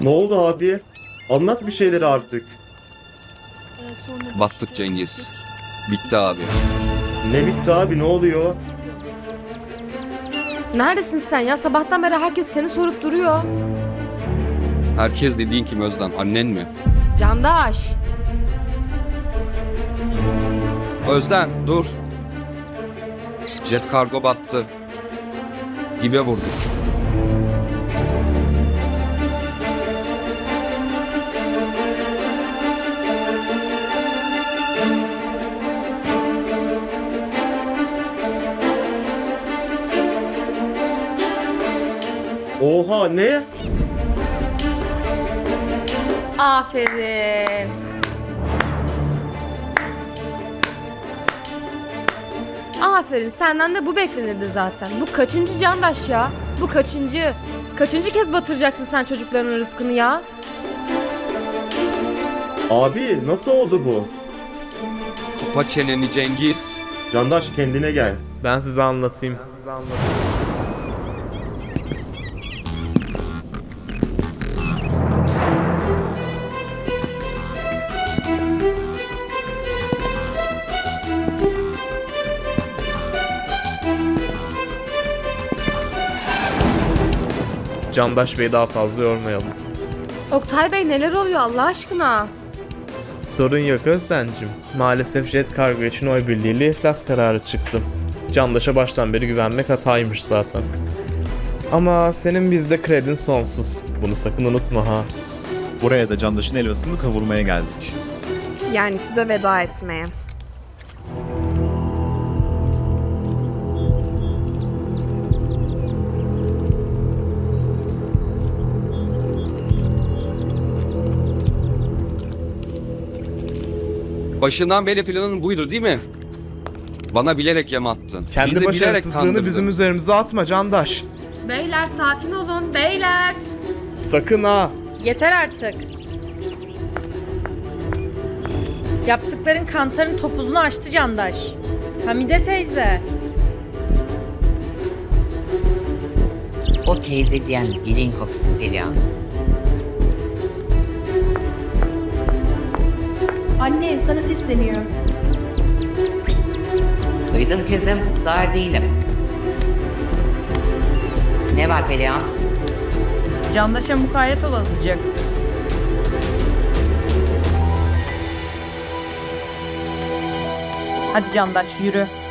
Ne oldu abi? Anlat bir şeyleri artık. Battık Cengiz. Bitti abi. Ne bitti abi, ne oluyor? Neredesin sen ya? Sabahtan beri herkes seni sorup duruyor. Herkes dediğin kim Özden? Annen mi? Candaş. Özden dur. Jet kargo battı. Dibe vurdu. Oha, ne? Aferin. Aferin, senden de bu beklenirdi zaten. Bu kaçıncı Candaş ya? Bu kaçıncı? Kaçıncı kez batıracaksın sen çocukların rızkını ya? Abi nasıl oldu bu? Kapa çeneni Cengiz. Candaş, kendine gel. Ben size anlatayım. Candaş Bey'i daha fazla yormayalım. Oktay Bey, neler oluyor Allah aşkına? Sorun yok Özden'cim. Maalesef jet kargo için oy birliğiyle iflas kararı çıktı. Candaş'a baştan beri güvenmek hataymış zaten. Ama senin bizde kredin sonsuz. Bunu sakın unutma ha. Buraya da Candaş'ın helvasını kavurmaya geldik. Yani size veda etmeye. Başından beri planın buydu değil mi? Bana bilerek yem attın. Kendi Bizi bilerek başarısızlığını kandırdın. bizim üzerimize atma Candaş. Beyler sakin olun, beyler. Sakın ha. Yeter artık. Yaptıkların kantarın topuzunu açtı Candaş. Hamide teyze. O teyze diyen dilin kopsun Perihan. Anne, sana sesleniyorum. Duydum kızım, sağır değilim. Ne var Perihan? Candaş'a mukayyet ol azıcık. Hadi Candaş yürü.